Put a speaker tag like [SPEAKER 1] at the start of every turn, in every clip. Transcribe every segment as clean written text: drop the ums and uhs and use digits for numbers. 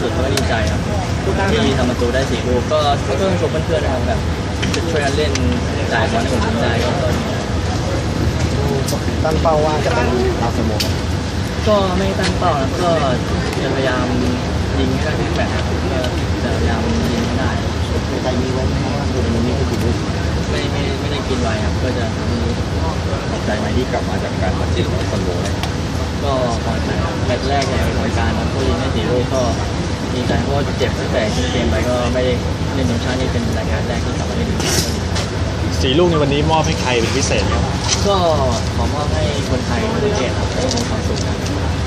[SPEAKER 1] สุดก็ดีใจครับที่ทำประตูได้4 ลูกก็ต้องชมเพื่อนๆนะครับแบบช่วยกันเล่นจ่ายบอลให้ผมทำได้ก็
[SPEAKER 2] ตั้งเป้าว่าจะเป็นดาวซันโว
[SPEAKER 1] ก็ไม่ตั้งเป้านะก็จะพยายามยิงให้ได้ทุกแมตช์ก็จะพยายามยิงให้ได้
[SPEAKER 2] ใจมีไว้เพราะว่าตัวนี้ก็คือ
[SPEAKER 1] ไม่ได้กินไว้ครับก็จะทำให้
[SPEAKER 3] ตกใจไหมที่กลับมาจากการบาดเจ็บของซันโว
[SPEAKER 1] ก็พอใจแมตช์แรกในรายการนะก็ยิงได้4 ลูกก็ดีใจเพราะเจ็บตั้งแต่เกมไปก็ไม่ได้เล่นทีมชาตินี่เป็นรายการแรกที่กลับมาเล่น
[SPEAKER 4] 4 ลูกในวันนี้มอบให้ใครเป็นพิเศษครับ
[SPEAKER 1] ก็ขอมอบให้คนไทยทุกประเทศครับมีความสุขครับ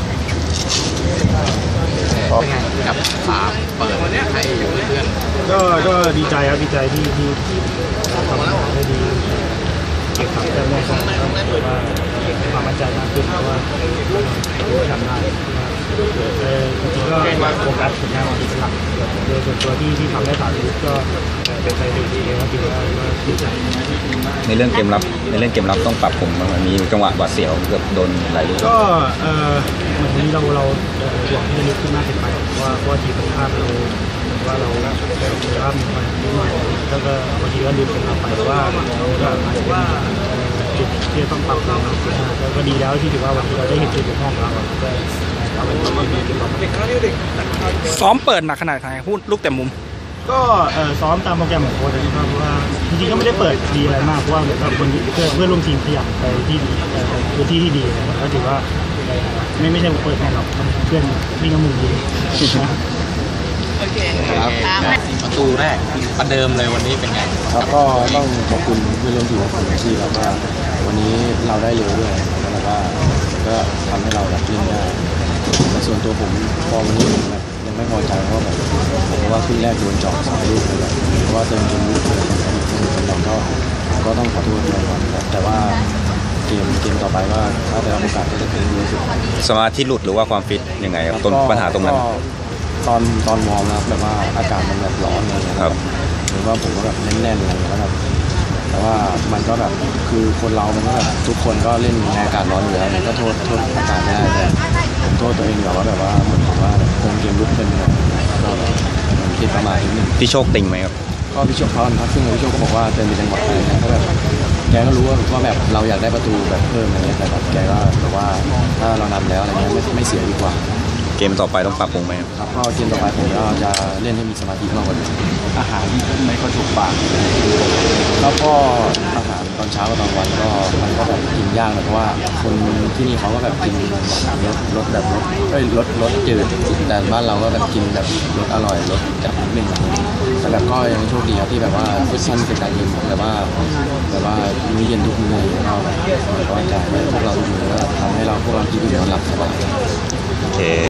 [SPEAKER 3] เป็นไงกับเปิดให้เพื่อน
[SPEAKER 4] ก็ดีใจครับดีใจที่ทำได้ดีเก็บ3 แต้มได้ก็ว่าความมั่นใจมากขึ้นเพราะว่าทำได้จริงๆก็โฟกัสผลงานของทีมหลักโดยส่วนตัวที่ทำได้3 ลูกก็เป็นไปได้ดีครับถือว่าดีใจ
[SPEAKER 3] ในเรื่องเกมรับต้องปรับผมมันมีจังหวะบาดเสียวเกือบโดนหลายลูก
[SPEAKER 4] ก็เหมือนนี้เราห่วงที่จะลึกขึ้นมากเกินไปว่าทีมตรงข้ามว่าเรามีความนิดหน่อยแล้วก็บางทีก็ลืมเป็นเราไปว่าก็อาจจะเป็นจุดที่ต้องปรับปรุงแล้วก็ดีแล้วที่ถือว่าวันนี้เราได้เห็นจุดบกพร่องของเราก็เอาเป็นว่าเป็นจุดบกพร่อง
[SPEAKER 5] ซ้อมเปิดหนักขนาดไหนพูดลูกเต็มมุม
[SPEAKER 4] ก็ซ้อมตามโปรแกรมของโค้ชนะครับเพราะว่าจริงๆก็ไม่ได้เปิดดีอะไรมากเพราะว่าคนเพื่อนร่วมทีมขยับไปที่พื้นที่ที่ดีก็ถือว่าไม่ใช่เปิดแน่หรอกเพื่อนวิ่งกับมุมดี
[SPEAKER 3] โอเคครับประตูแรกประเดิมเลยวันนี้เป็นไง
[SPEAKER 2] ครับก็ต้องขอบคุณเพื่อนร่วมทีมของผมที่แบบว่าวันนี้เราได้เร็วด้วยแล้วก็ทำให้เราแบบเล่นได้แต่ส่วนตัวผมพอวันนี้ผมแบบยังไม่พอใจเพราะว่าครึ่งแรกโดนเจาะ2 ลูกเลยเพราะว่าเติมเกมลุกเลยเราก็ต้องขอโทษด้วยครับแต่ว่าเกมต่อไปว่าถ้าได้รับโอกาสก็จะเป็นดีสุด
[SPEAKER 3] สมาธิหลุดหรือว่าความฟิตยังไงครับต้นปัญหาตรงนั้น
[SPEAKER 2] ตอนวอร์มนะครับแบบว่าอากาศมันแบบร้อนอะไรอย่างเงี้ยครับหรือว่าผมก็แบบแน่นๆอะไรแล้วแบบแต่ว่ามันก็แบบคือคนเรามันก็แบบทุกคนก็เล่นในอากาศร้อนอยู่แล้วมันก็โทษอากาศไม่ได้แต่ผมโทษตัวเองอยู่ว่าแบบว่าเหมือนผมว่าคงเกมลุกเป็นแบบก็แบบมันคิดประมาณนิดนึง
[SPEAKER 3] พี่โชคติงไหมครับ
[SPEAKER 2] ก็พี่โชคเขาพักซึ่งพี่โชคก็บอกว่าเติมเป็นจังหวะอะไรนะก็แบบแกก็รู้ว่าแบบเราอยากได้ประตูแบบเพิ่มอะไรเงี้ยแต่แบบแกก็แบบว่าถ้าเรานำแล้วอะไรเงี้ยไม่เสียดีกว่า
[SPEAKER 3] เกมต่อไปต้องปรับปรุงไหม
[SPEAKER 2] ครับก็เกมต่อไปผมก็จะเล่นให้มีสมาธิมากกว่านี้อาหารไม่ค่อยถูกปากแล้วก็อาหารตอนเช้ากับตอนวันก็มันก็แบบกินยากเพราะว่าคนที่นี่เขาก็แบบกินรสแบบรสจืดแต่บ้านเราก็แบบกินแบบรสอร่อยรสจัดนิดนึงแต่แบบก็ยังโชคดีครับที่แบบว่าฟุตซันเป็นการยิงแบบว่ามื้อเย็นทุกมื้อเราแบบว่าจ่ายให้พวกเราทุกมื้อแล้วทำให้พวกเรากินอิ่มนอนหลับสบาย
[SPEAKER 3] โอเค